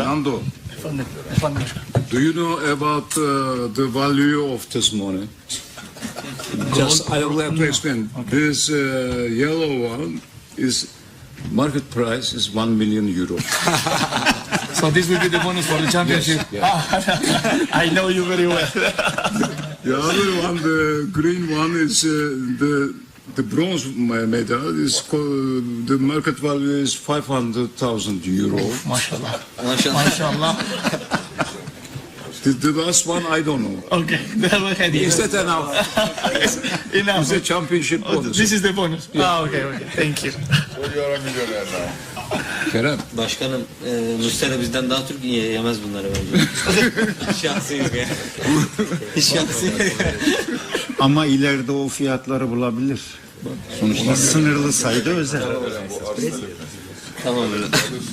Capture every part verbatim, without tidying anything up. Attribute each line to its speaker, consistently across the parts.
Speaker 1: lütfen.
Speaker 2: Nando,
Speaker 1: Efendim, efendim başkanım.
Speaker 2: do you know about uh, the value of this money? Just I would like to explain. This uh, yellow one is market price is one million euro.
Speaker 1: So this will be the bonus for the championship.
Speaker 2: Yes,
Speaker 1: I know you very well.
Speaker 2: The other one, the green one, is uh, the the bronze medal. Is called, the market value is five hundred thousand euro.
Speaker 1: Maşallah.
Speaker 3: Maşallah.
Speaker 1: Maşallah.
Speaker 2: The, the last one I don't know.
Speaker 1: Okay. Devam edelim.
Speaker 2: Is that enough?
Speaker 1: Enough.
Speaker 2: It's a championship bonus.
Speaker 1: This is the bonus. Ah, okay, okay. Thank you.
Speaker 2: Kerem,
Speaker 3: Başkanım, e, Muslera bizden daha Türk ye- yemez bunları bence. Şanslıyız ya. Şanslıyız.
Speaker 4: Ama ileride o fiyatları bulabilir. Sonuçta sınırlı sayıda özel.
Speaker 3: Tamam öyle.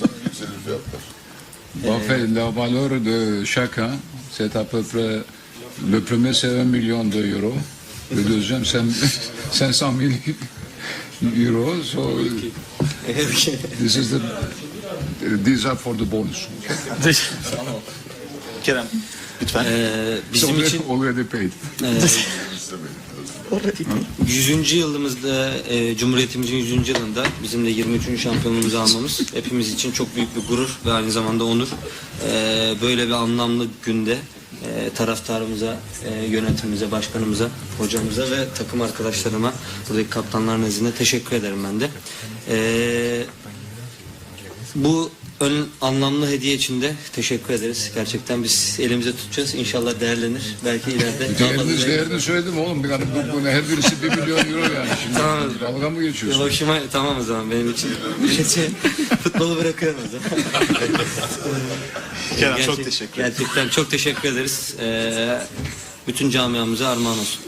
Speaker 2: Parfait, la valeur de chacun, c'est à peu près, le premier c'est un million d'euros, le deuxième c'est cinq cent mille euros, so this is the, these are for the bonus.
Speaker 1: Kerem, lütfen.
Speaker 3: E, bizim
Speaker 2: So
Speaker 3: için
Speaker 2: already paid.
Speaker 3: yüzüncü yılımızda, e, Cumhuriyetimizin yüzüncü yılında bizim de yirmi üçüncü şampiyonluğumuzu almamız hepimiz için çok büyük bir gurur ve aynı zamanda onur. E, böyle bir anlamlı günde e, taraftarımıza, e, yönetimimize, başkanımıza, hocamıza ve takım arkadaşlarıma, buradaki kaptanlar nezdinde teşekkür ederim ben de. E, bu ön anlamlı hediye için de teşekkür ederiz. Gerçekten biz elimize tutacağız. İnşallah değerlenir. Belki ileride daha fazla
Speaker 2: Değerini, değerini söyledim oğlum, yani bu, bu, her birisi bir milyon euro yani. Şimdi
Speaker 3: Tamam.
Speaker 2: dalga mı geçiyorsun?
Speaker 3: Hoşuma, tamam o zaman benim için. Şey, futbolu bırakıyorum o zaman.
Speaker 1: Kerem,
Speaker 3: Gerçek-
Speaker 1: çok teşekkür ederim.
Speaker 3: Gerçekten çok teşekkür ederiz. Ee, bütün camiamıza armağan olsun.